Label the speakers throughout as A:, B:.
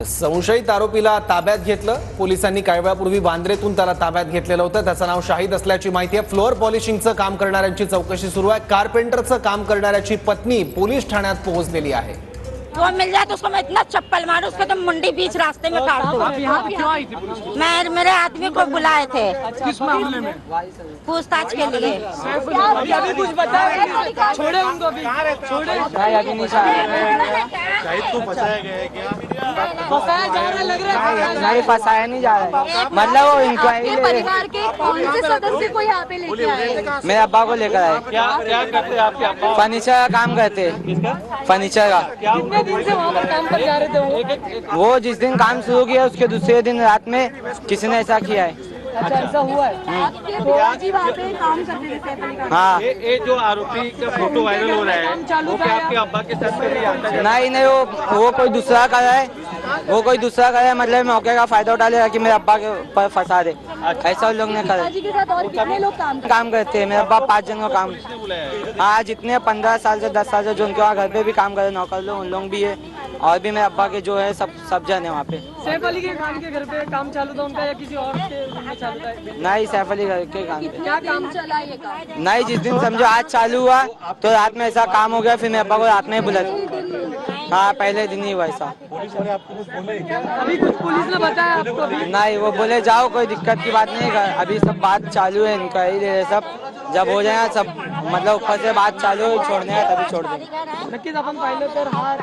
A: संशयित आरोपीला ताब्यात घेतलं। पोलिसांनी काही वेळापूर्वी वांद्रेतून त्याला ताब्यात घेतलेलं होतं। त्याचं नाव शाहिद असल्याची माहिती आहे। फ्लोअर पॉलिशिंगचं काम करणाऱ्यांची चौकशी सुरू आहे। कारपेंटरचं काम करणाऱ्याची पत्नी पोलीस ठाण्यात पोहोचलेली आहे।
B: वो मिल जाए तो उसको मैं इतना चप्पल मारूं उसको तो मुंडी बीच रास्ते में काट दूं।
C: आप यहाँ पे क्यों आई थी पुलिस?
B: मैं मेरे आदमी को बुलाए थे
C: किस मामले में?
B: पूछताछ के लिए।
C: अभी कुछ बताया? छोड़े उनको अभी। छोड़े।
D: अभी नहीं
E: शाहिद को फंसाया गया है क्या?
C: फंसाया जा रहा है लग रहा है।
D: नहीं फंसाया नहीं जा रहा है। मतलब वो इंक्वायरी
F: परिवार के कौन से सदस्य को यहाँ पे लेके आए?
D: मेरे अब्बा को लेकर आए।
E: क्या क्या करते हैं आपके अब्बा?
D: फर्नीचर का काम करते हैं। फर्नीचर का
C: कितने दिन से वहाँ पर काम पर जा रहे थे
D: वो जिस दिन काम शुरू किया उसके दूसरे दिन रात में किसी ने ऐसा किया है।
C: अच्छा ऐसा हुआ है।
F: आपके बुआ जी वहाँ पे काम करते थे सैफ अली खान।
D: हाँ
E: ये जो आरोपी का फोटो वायरल हो रहा है वो क्या आपके अब्बा के साथ कभी आता है?
D: नहीं वो कोई दूसरा कर रहा है। वो कोई दूसरा कर रहा है, मतलब मौके का फायदा उठा लेगा कि मेरे अब्बा के पर फंसा दे। ऐसा उन लोग ने करा।
F: जी के साथ और कितने लोग काम
D: करते हैं। मेरे अब्बा 5 जन का काम। हाँ जितने 15 साल से 10 साल से जो उनके वहाँ घर पे भी काम करे नौकर लोग उन लोग भी है। और भी मेरे अब्बा के जो है सब जन है वहाँ पे।
C: सैफ अली खान के घर पे काम चालू था उनका या किसी और के घर में चालू था?
D: नहीं सैफ अली घर के काम पे।
F: क्या काम चला ये काम?
D: नहीं जिस दिन समझो आज चालू हुआ तो रात में ऐसा काम हो गया, फिर मेरे अब्बा को रात में ही बुला। हाँ पहले दिन ही हुआ ऐसा।
C: अभी कुछ पुलिस ने बताया आपको? अभी
D: नहीं वो बोले जाओ कोई दिक्कत की बात नहीं कर, अभी सब बात चालू है इंक्वायरी दे रहे सब। जब हो जाए सब मतलब ऊपर से बात चालू है छोड़ने है तभी छोड़ देंगे।
C: नक्कीच आपण पाहिलं तर हा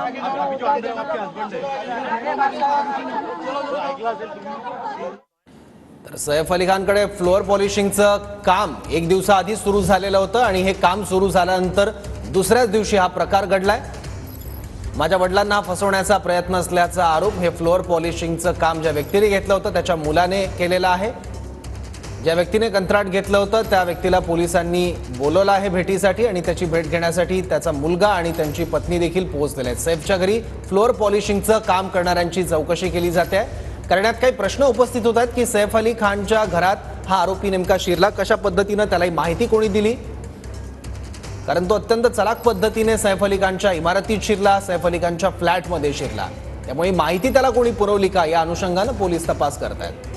A: तर सैफ अली खानकडे फ्लोअर पॉलिशिंगचं काम एक दिवसाआधी सुरू झालेलं होतं आणि हे काम सुरू झाल्यानंतर दुसऱ्याच दिवशी हा प्रकार घडलाय। माझ्या वडिलांना फसवण्याचा प्रयत्न असल्याचा आरोप हे फ्लोअर पॉलिशिंगचं काम ज्या व्यक्तीने घेतलं होतं त्याच्या मुलाने केलेला आहे। ज्या व्यक्तीने कंत्राट घेतलं होतं त्या व्यक्तीला पोलिसांनी बोलवलं आहे भेटीसाठी आणि त्याची भेट घेण्यासाठी त्याचा मुलगा आणि त्यांची पत्नी देखील पोहोचलेले आहेत। सैफच्या घरी फ्लोअर पॉलिशिंगचं काम करणाऱ्यांची चौकशी केली जाते आहे। करण्यात काही प्रश्न उपस्थित होत आहेत की सैफ अली खानच्या घरात हा आरोपी नेमका शिरला कशा पद्धतीने, त्याला माहिती कोणी दिली, कारण तो अत्यंत चलाख पद्धतीने सैफ अली खानच्या इमारतीत शिरला, सैफ अली खानच्या फ्लॅटमध्ये शिरला। त्यामुळे माहिती त्याला कोणी पुरवली का या अनुषंगाने पोलीस तपास करत आहेत।